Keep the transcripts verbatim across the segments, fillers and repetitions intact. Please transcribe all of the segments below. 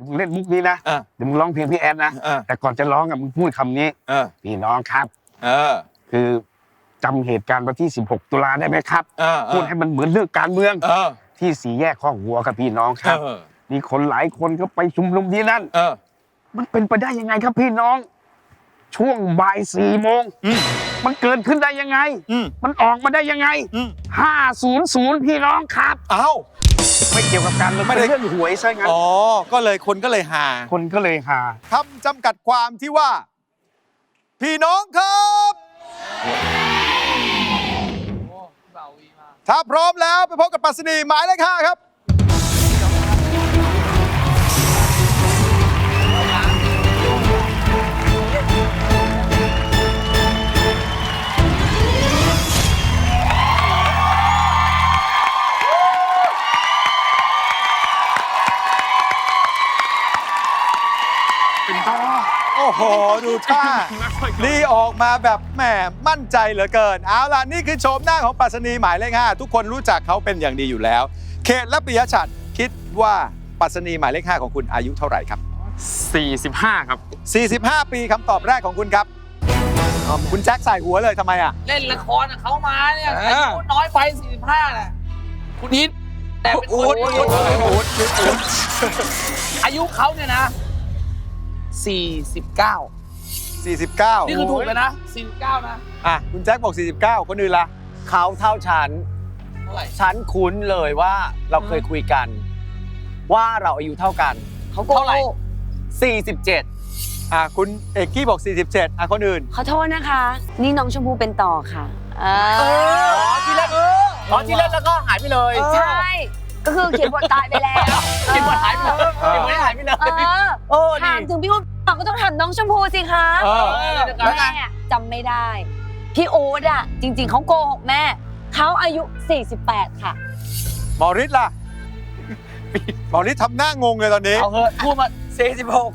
มึงเล่นมุกนี้นะเดี๋ยวมึงร้องเพลงพี่แอดนะแต่ก่อนจะร้องอ่ะมึงพูดคำนี้พี่น้องครับคือจำเหตุการณ์วันที่สิบหกตุลาได้ไหมครับพูดให้มันเหมือนเรื่องการเมืองที่สี่แยกข้องวัวกับพี่น้องครับมีคนหลายคนก็ไปชุมนุมที่นั่นมันเป็นไปได้ยังไงครับพี่น้องช่วงบ่ายสี่โมงมันเกิดขึ้นได้ยังไงมันออกมาได้ยังไงห้าศูนย์ศูนย์พี่น้องครับเอ้าไม่เกี่ยวกับการไม่ได้เรื่องหวยใช่ไหมอ๋อก็เลยคนก็เลยหาคนก็เลยหาคำจำกัดความที่ว่าพี่น้องครับถ้าพร้อมแล้วไปพบกับปรัชนีหมายเลขห้าครับโอ้โหดูท่านี่ออกมาแบบแหมมั่นใจเหลือเกินเอาล่ะนี่คือโฉมหน้าของปรัชนีหมายเลขห้าทุกคนรู้จักเขาเป็นอย่างดีอยู่แล้วเขตและปิยชัดคิดว่าปรัชนีหมายเลขห้าของคุณอายุเท่าไหร่ครับสี่สิบห้าครับสี่สิบห้าปีคำตอบแรกของคุณครับคุณแจ็คใส่หัวเลยทำไมอ่ะเล่นละครเขามาเนี่ยอายุน้อยไปสี่สิบห้าแหละคุณนิดแต่เป็นคนอายุเขาเนี่ยนะสี่สิบเก้าสี่สิบเก้านี่คือถูกเลยนะสี่สิบเก้านะอ่ะคุณแจ็คบอกสี่สิบเก้าคนอื่นล่ะเขาเท่าฉันเท่าไหร่ฉันคุ้นเลยว่าเราเคยคุยกันว่าเราอายุเท่ากันเขาเท่าไหร่สี่สิบเจ็ดอ่ะคุณเอกกี้บอกสี่สิบเจ็ดอ่ะคนอื่นขอโทษนะคะนี่น้องชมพู่เป็นต่อค่ะอ๋อที่เล่นอ๋อที่เล่นแล้วก็หายไปเลยใช่ก็คือเขียนบทตายไปแล้วเขียนบทหายไปเลยเขียนบทหายไปเลยเออถามถึงพี่อุ๊ดก็ต้องถามน้องชมพู่สิคะแม่จำไม่ได้พี่โอ๊ตอ่ะจริงๆเขาโกหกแม่เขาอายุสี่สิบแปดค่ะหมอฤทธิ์ล่ะหมอฤทธิ์ทำหน้างงเลยตอนนี้เอาเถอะพูดมาสี่สิบหก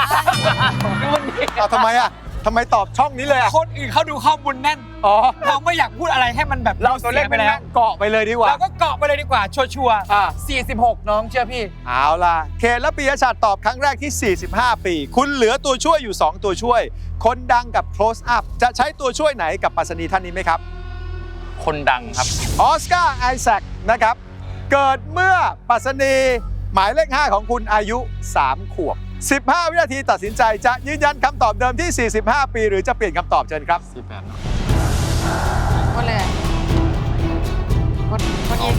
เอาทำไมอ่ะทำไมตอบช่องนี้เลยอ่ะคนอื่นเขาดูข้อมูลแน่นอ๋อเราไม่อยากพูดอะไรให้มันแบบเราตัวเล่นไปแล้วเกาะไปเลยดีกว่าเราก็เกาะไปเลยดีกว่าชัวร์ๆสี่สิบหกน้องเชื่อพี่เอาล่ะเขตและปิยชัดตอบครั้งแรกที่สี่สิบห้าปีคุณเหลือตัวช่วยอยู่สองตัวช่วยคนดังกับ close up จะใช้ตัวช่วยไหนกับปรัชนีท่านนี้ไหมครับคนดังครับออสการ์ไอแซคนะครับเกิดเมื่อปรัชนีหมายเลขห้าของคุณอายุสามขวบสิบห้าวินาทีตัดสินใจจะยืนยันคำตอบเดิมที่สี่สิบห้าปีหรือจะเปลี่ยนคำตอบเชิญครับสี่สิบแปดก็เลยกดกดอีก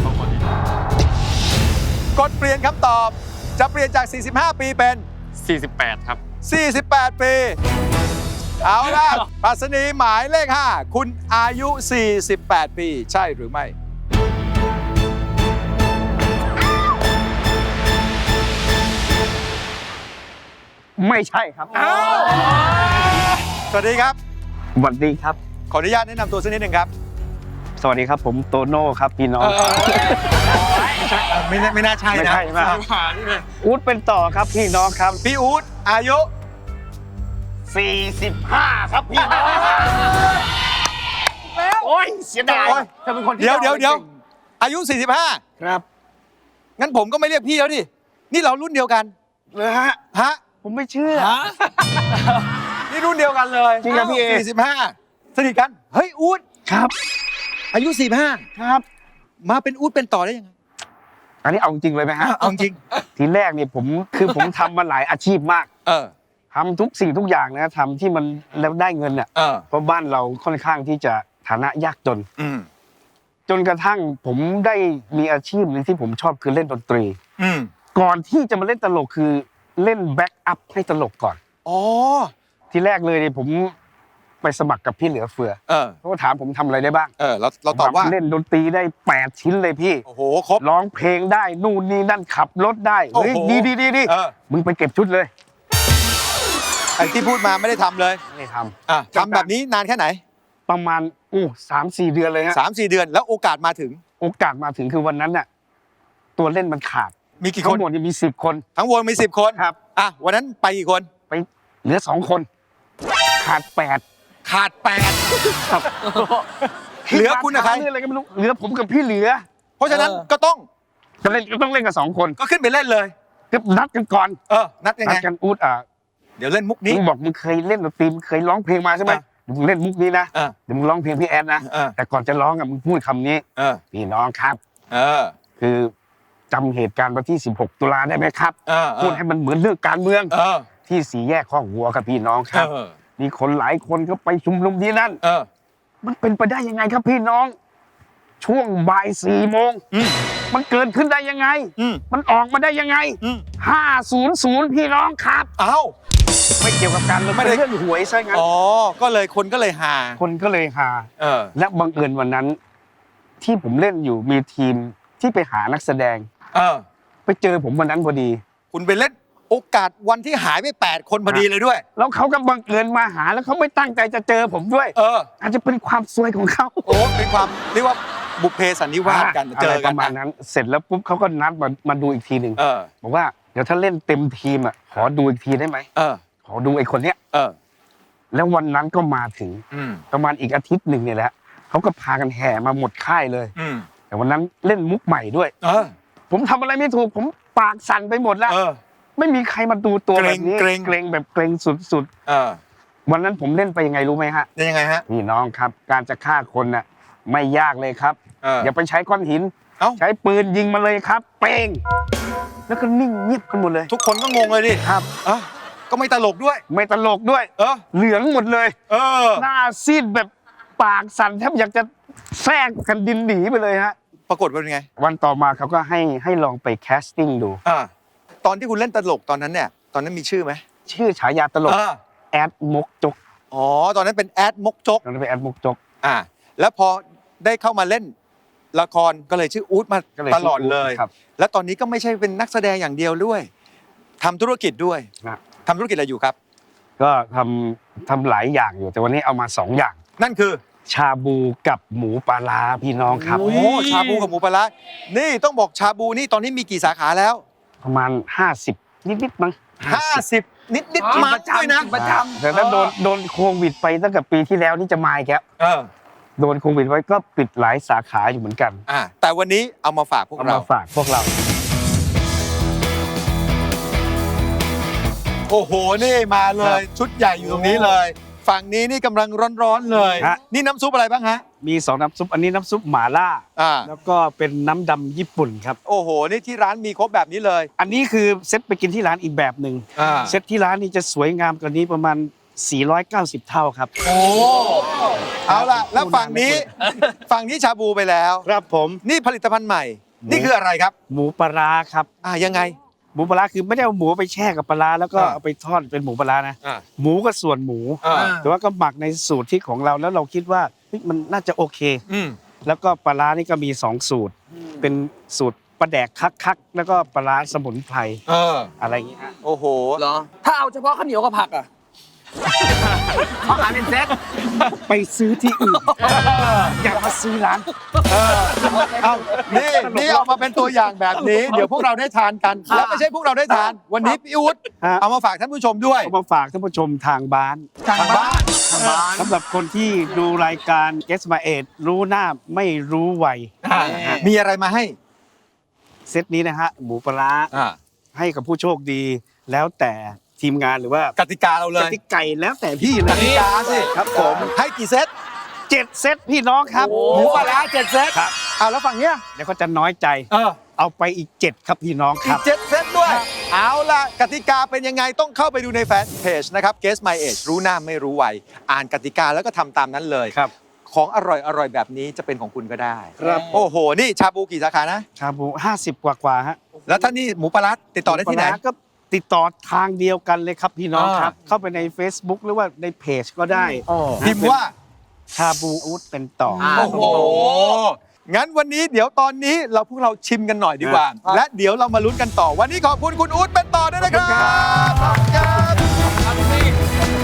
กดเปลี่ยนคำตอบจะเปลี่ยนจากสี่สิบห้าปีเป็นสี่สิบแปดครับสี่สิบแปดปีเอาล่ะปรัชนีหมายเลขห้าคุณอายุสี่สิบแปดปีใช่หรือไม่ไม่ใช่ครับสวัสดีครับสวัสดีครับขออนุญาตแนะนำตัวสักนิดหนึ่งครับสวัสดีครับผมโตโน่ครับพี่น้องไม่ไม่น่าใช่นะไม่ใช่ไหมอู๊ดเป็นต่อครับพี่น้องครับพี่อู๊ดอายุสี่สิบห้าครับพี่น้องโอ้ยเสียดายเธอเป็นคนที่เดี๋ยวเดี๋ยวเดี๋ยวอายุสี่สิบห้าครับงั้นผมก็ไม่เรียกพี่แล้วดินี่เรารุ่นเดียวกันเลยฮะฮะผมไม่เชื่อนี่รุ่นเดียวกันเลยจริงครับพี่เอสี่สิบห้าสนิทกันเฮ้ยอู๊ดครับอายุสี่สิบห้าครับมาเป็นอู๊ดเป็นต่อได้ยังไงอันนี้เอาจริงเลยไหมฮะเอาจริงทีแรกเนี่ยผมคือผมทำมาหลายอาชีพมากเออทำทุกสิ่งทุกอย่างนะทำที่มันแล้วได้เงินเนี่ยเพราะบ้านเราค่อนข้างที่จะฐานะยากจนจนกระทั่งผมได้มีอาชีพนึงที่ผมชอบคือเล่นดนตรีก่อนที่จะมาเล่นตลกคือเล่นแบ็กอัพให้ตลกก่อนอ๋อทีแรกเลยเนี่ยผมไปสมัครกับพี่เหลือเฟือเขาถามผมทำอะไรได้บ้างเออเราเราตอบว่าเล่นดนตรีได้แปดชิ้นเลยพี่โอ้โหครบร้องเพลงได้นู่นนี่นั่นขับรถได้เฮ้ยดีดีดีดีมึงไปเก็บชุดเลยไอ้ที่พูดมาไม่ได้ทำเลยไม่ทำอ่ะทำแบบนี้นานแค่ไหนประมาณอู้สามสี่เดือนเลยฮะสามสี่เดือนแล้วโอกาสมาถึงโอกาสมาถึงคือวันนั้นน่ะตัวเล่นมันขาดมีกี่คนทั้งหมดมีสิบคนทั้งวงมีสิบคนครับอ่ะวันนั้นไปกี่คนไปเหลือสองคนขาดแปดขาดแปดเหลือคุณกับใครอะไรก็ไม่รู้เหลือผมกับพี่เหลือเพราะฉะนั้นก็ต้องก็เล่นก็ต้องเล่นกับสองคนก็ขึ้นไปเล่นเลยก็นัดกันก่อนเออนัดยังนัไงดกันอูดอ่ะเดี๋ยวเล่นมุกมึนี้งบอกมึงเคยเล่นดนตรีมึงเคยร้องเพลงมาใช่ไหมอ่ะมึงเล่นมุกนี้นะเออเดี๋ยวมึงร้องเพลงพี่แอนนะเออแต่ก่อนจะร้องอ่ะมึงพูดคำนี้เออพี่น้องครับเออคือจำเหตุการณ์วันที่สิบหกตุลาได้ไหมครับเออเออพูดให้มันเหมือนเรื่องการเมืองเออที่สี่แยกข้อกวัวครับพี่น้องครับเออมีคนหลายคนก็ไปชุมนุมที่นั่นเออมันเป็นไปได้ยังไงครับพี่น้อง ช่วงบ่ายสี่โมงอืมมันเกิดขึ้นได้ยังไงอืมมันออกมาได้ยังไงอืมห้าศูนย์ศูนย์พี่น้องครับเอ้าไม่เกี่ยวกับการเมืองไม่ได้เป็นเรื่องหวยใช่งั้นอ๋อก็เลยคนก็เลยหาคนก็เลยหาเออและบังเอิญวันนั้น ที่ผมเล่นอยู่มีทีมที่ไปหานักแสดงเออไปเจอผมวันนั้นพอดีคุณไปเล่นโอกาสวันที่หายไปแปดคนพอดีเลยด้วยแล้วเขาก็บังเอิญมาหาแล้วเขาไม่ตั้งใจจะเจอผมด้วยเอออาจจะเป็นความซวยของเขาโอ้เป็นความเรียกว่าบุพเพสันนิวาสกันอะเจไรอปกันระมาณนั้น เสร็จแล้วปุ๊บเขาก็นัดมามาดูอีกทีหนึ่งเออบอกว่าเดี๋ยวถ้าเล่นเต็มทีมอ่ะขอดูอีกทีได้ไหมเออขอดูไอ้คนเนี้ยเออแล้ววันนั้นก็มาถึงอืมประมาณอีกอาทิตย์หนึ่งเนี่ยแหละเขาก็พากันแห่มาหมดค่ายเลยอืมแต่วันนั้นเล่นมุกใหม่ด้วยเออผมทำอะไรไม่ถูกผมปากสั่นไปหมดแล้วเออไม่มีใครมาดูตัวเกแบรงบนี้เกรงเกรงแบบเกรงสุดเออๆวันนั้นผมเล่นไปยังไงรู้ไหมฮะยังไงฮะพี่น้องครับ การจะฆ่าคนน่ะไม่ยากเลยครับเอออย่าไปใช้ก้อนหินเอ้าใช้ปืนยิงมาเลยครับ เป้งแล้วก็นิ่งเงียบกันหมดเลยทุกคนก็งงเลยดิครับเออก็ไม่ตลกด้วยไม่ตลกด้วยเออเหลืองหมดเลยเออหน้าซีดแบบปากสั่นแทบอยากจะแทรกแผ่นดินหนีไปเลยฮะปรากฏว่าเป็นไงวันต่อมาเขาก็ให้ให้ลองไปแคสติ้งดูอ่า ตอนที่คุณเล่นตลกตอนนั้นเนี่ย ตอนนั้นมีชื่อไหมชื่อฉายาตลกเออแอดมกจกอ๋อ ตอนนั้นเป็นแอดมกจกตอนนั้นเป็นแอดมกจกอ่า แล้วพอได้เข้ามาเล่นละครก็เลยชื่ออู๊ดมาก็เลยตลอดเลยครับแล้วตอนนี้ก็ไม่ใช่เป็นนักแสดงอย่างเดียวด้วยทำธุรกิจด้วยนะทำธุรกิจอะไรอยู่ครับก็ทำทำหลายอย่างอยู่ แต่วันนี้เอามาสองอย่างนั่นคือชาบูกับหมูปลาร้าพี่น้องครับโอ้ชาบูกับหมูปลาร้านี่ต้องบอกชาบูนี่ตอนนี้มีกี่สาขาแล้วประมาณห้าสิบนิดๆมั้งห้าสิบนิดนิดอ๋อมาด้วยนะประจำแต่ถ้าโดนโดนโควิดไปตั้งแต่ปีที่แล้วนี่จะมาอีกแล้วเออโดนโควิดไว้ก็ปิดหลายสาขาอยู่เหมือนกันอ่า แต่วันนี้เอามาฝากพวกเอาเรามาฝากพวกเราโอ้โห นี่มาเลย ชุดใหญ่อยู่ตรงนี้เลย ฝั่งนี้นี่กำลังร้อนๆเลยฮะนี่น้ำซุปอะไรบ้างฮะมีสองน้ำซุปอันนี้น้ำซุปหม่าล่าอ่าแล้วก็เป็นน้ำดำญี่ปุ่นครับโอ้โห นี่ที่ร้านมีครบแบบนี้เลยอันนี้คือเซตไปกินที่ร้านอีกแบบหนึ่งอ่าเซตที่ร้านนี่จะสวยงามกว่านี้ประมาณสี่ร้อยเก้าสิบเท่าครับโอ้เอาล่ะ แล้วฝั่งนี้ ฝั่งนี้ชาบูไปแล้วครับผมนี่ผลิตภัณฑ์ใหม่ นี่คืออะไรครับหมูปลาร้าครับอ่า ยังไงหมูปลาร้าคือไม่ได้เอาหมูไปแช่กับปลาร้าแล้วก็อ่าเอาไปทอดเป็นหมูปลาร้านะอ่าหมูก็ส่วนหมูอ่าแต่ว่าก็หมักในสูตรที่ของเราแล้วเราคิดว่าเฮ้ยมันน่าจะโอเคอืมแล้วก็ปลาร้านี่ก็มีสองสูตร เป็นสูตรปลาแดกคักๆแล้วก็ปลาร้าสมุนไพรเอออะไรอย่างเงี้ยฮะโอ้โหเหรอ ถ้าเอาเฉพาะข้าวเหนียวกับผักอ่ะเขาขายเป็นเซ็ตไปซื้อที่อื่นอย่ามาซื้อร้านเอานี่นี่เอามาเป็นตัวอย่างแบบนี้ เดี๋ยวพวกเราได้ทานกัน แล้วไม่ใช่พวกเราได้ทาน วันนี้พี่อุ๊ดฮะเอามาฝากท่านผู้ชมด้วยเอามาฝากท่านผู้ชมทางบ้านทางบ้านสำหรับคนที่ดูรายการ Guess My Age รู้หน้าไม่รู้วัยมีอะไรมาให้เซตนี้นะฮะหมูปลาร้าอ่าให้กับผู้โชคดี แล้วแต่ทีมงานหรือว่ากติกาเราเลกยติกาแล้วแต่พี่เลกยติกาสิครับผมให้กี่เซตเจ็ดเซตพี่น้องครับหมูปลาร้าเจ็ดเซตครับเอาแล้วฝั่งเนี้ยเดี๋ยวเขาจะน้อยใจเออเอาไปอีกเจ็ดครับพี่น้องคอีรักบเจ็ดเซตด้วย เอาล่ะกติกาเป็นยังไงต้องเข้าไปดูในแฟนเพจนะครับ Guess My Age รู้หน้าไม่รู้วัยอ่านกติกาแล้วก็ทำตามนั้นเลยครับของอร่อยอร่อยแบบนี้จะเป็นของคุณก็ได้ครับโอ้โห นี่ชาบูกี่สาขานะชาบูห้าสิบกว่ากว่าๆฮะแล้วถ้านี่หมูปลาร้าติดต่อได้ที่ไหนปลาร้าก็ติดต่อทางเดียวกันเลยครับพี่น้องอ่าครับ เข้าไปใน Facebook หรือว่าในเพจก็ได้พิมพ์ว่าชาบูอูดเป็นต่อโอ้โห งั้นวันนี้เดี๋ยวตอนนี้เราพวกเราชิมกันหน่อยดีกว่า และเดี๋ยวเรามาลุ้นกันต่อ วันนี้ขอบคุณคุณอู๊ดเป็นต่อด้วยนะครับขอบคุณครับ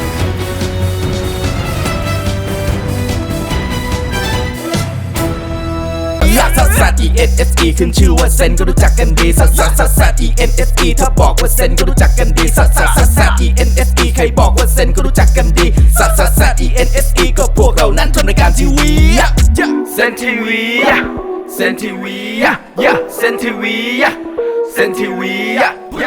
ลักซัสซัส E N S E ขึ้นชื่อว่าเซนก็รู้จักกันดีซัสซัสซัสซัส E N S E ถ้าบอกว่าเซนก็รู้จักกันดีซัสซัสซัสซัส E N S E ใครบอกว่าเซนก็รู้จักกันดีซัสซัสซัส E N S E ก็พวกเรานั้นทำรายการทีวีเซนทีวีเซนทีวีเซนทีวีเซนทีวี